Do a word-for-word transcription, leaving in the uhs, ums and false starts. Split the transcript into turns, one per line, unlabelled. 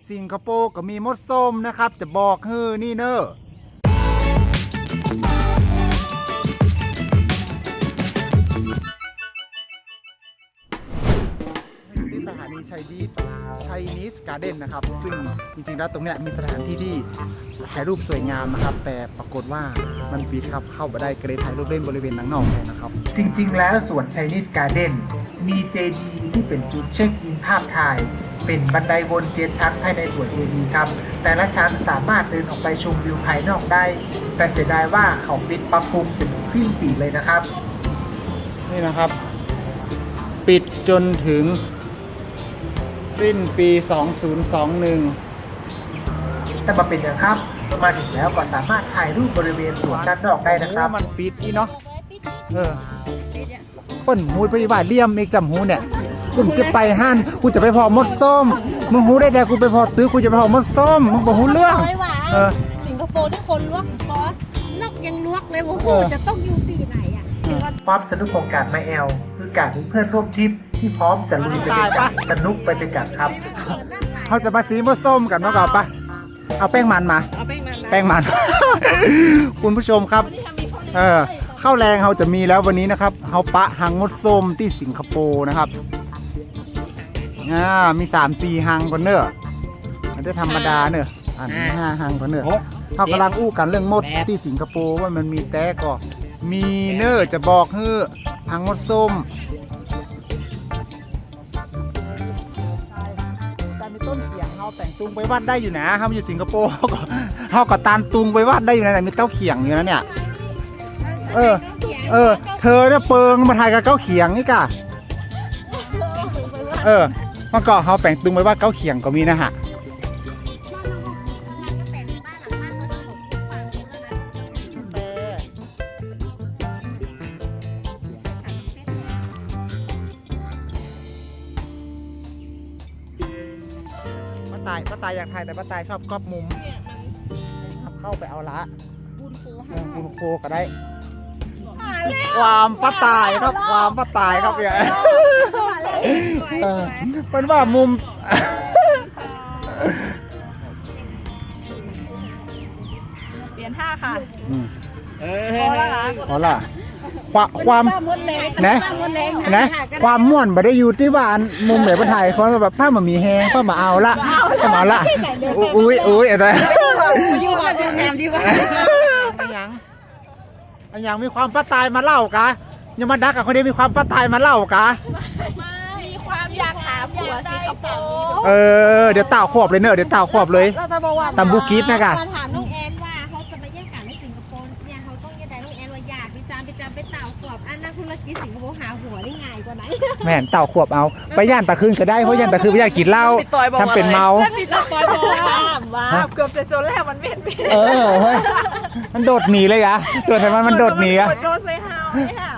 สิงคโปร์ก็มีมดส้มนะครับจะบอกเฮ้อนี่เนอะที่สถานีชัยดีสชัยนิสการ์เด้นนะครับซึ่งจริงๆแล้วตรงเนี้ยมีสถานที่ที่ถ่ายรูปสวยงามนะครับแต่ปรากฏว่ามันปิดครับเข้าไปได้ก็เลยถ่ายรูปเล่นบริเวณหนังนอกแทนนะครับ
จริงๆแล้วสวนชัยนิสการ์เด้นมีเจดีย์ที่เป็นจุดเช็คอินภาพถ่ายเป็นบันไดวนเจ็ดชั้นภายในตัวเจดีย์ครับแต่ละชั้นสามารถเดินออกไปชมวิวภายนอกได้แต่เสียดายว่าเขาปิดปรับปรุงจนถึงสิ้นปีเลยนะครับ
นี่นะครับปิดจนถึงสิ้นปีสองพันยี่สิบเอ็ด
แต่มาเป็นอย่างครับมาถึงแล้วก็สามารถถ่ายรูปบริเวณสวนด้านนอกได้นะครับ
มันปิดนี่เนาะเออเปิ้นหูไปว่าเลี่ยมอีกจำหูเนี่ยกูจะไปห้านกูจะไปพอมดส้มมึงหูได้แต่กูไปพอซื้อกูจะไปพอมดส้มมึงบอกหูเรื่อง
เออสิงคโปร์ที่คนลวกบอสนกยังลวกเลยว่ากูจะต้องอยู่ปีไหนอ่ะ
ความสนุกของการมาแอลคือการมีเพื่อนร่วมทริปที่พร้อมจะลุยไปด้วยกันสนุกไปด้วยกันครับ
เขาจะมาสีมดส้มกันเนาะก่อนปะเอาแป้งมันมา
เอาแป้งมัน
แป้งมันคุณผู้ชมครับเออข้าวแรงเขาจะมีแล้ววันนี้นะครับเขาปะหังมดส้มที่สิงคโปร์นะครับอ่ามีสามสี่หังก่อนเนอะไม่ได้ธรรมดาเนอะอันห้าหังก่อนเนอะเขากำลังอู้กันเรื่องมดที่สิงคโปร์ว่ามันมีแต่ก็มีเนอะจะบอกเฮ้อหังมดส้มต้นเขียงเขาแต่งตุงไปวัดได้อยู่นะเขาอยู่สิงคโปร์เขาก็เขาก็ตามตุงไปวัดได้อยู่นะมีเต้าเขียงอยู่นะเนี่ยเออเออเธอเนี่ยเปิงมาถ่ายกับเก้าเขียงนี่กะเออเมื่อก่อนเขาแต่งตุงไปวัดเก้าเขียงก็มีนะฮะป้าตายป้าตายอยากถ่ายแต่ป้าตายชอบกอบมุมเข้าไปเอาละบุญโคก็ได้ความป้าตายครับความป้าตายครับเนี่ยเป็นว่ามุม
เปลี่ยนท่าค่ะ
พอละพอละความความนะนะความม่วนไม่ได้อยู่ที่ว่ามุมไหนบนถ่ายเขาแบบผ้ามันมีแห้งผ้ามาเอาละผ้ามาละอุ้ยอุ้ยอะไร
อยู่กับโรงแรมดีกว่า
อันยังอันยังมีความป้าตายมาเล่ากะยังมาดักกับคนนี้มีความป้าตายมาเล่ากะ
มีความอยากหาผัวสิงคโปร์
เออเดี๋ยวเต่าขวบเลยเนอะเดี๋ยวเต่าขวบเลยตำบูกิฟนะกะ
ถามน้องแอนว่าเขาจะมาแยกกันในสิงคโปร์เนี่ยเขาต้องยังไงน้องแอนว่าอยากไปจามไปจามไปเต่าขวบอันนักธุรกิจสิงคโปร์หาหัวได้ง่ายกว่าไหน
แม่นเต่าขวบเอาไปย่านตะคืนก็ได้เพราะย่านตะคืนไม่อยากกินเหล้าทำเป็นเมา
ปิดตอยบอกว่าเกือบจะจนแล้วมันไม่เห็น
เออเฮ้ยมันโดดหนีเลยอะตัวทำไมมันโดดหนีอะ
โดนเซฮาวเนี่ย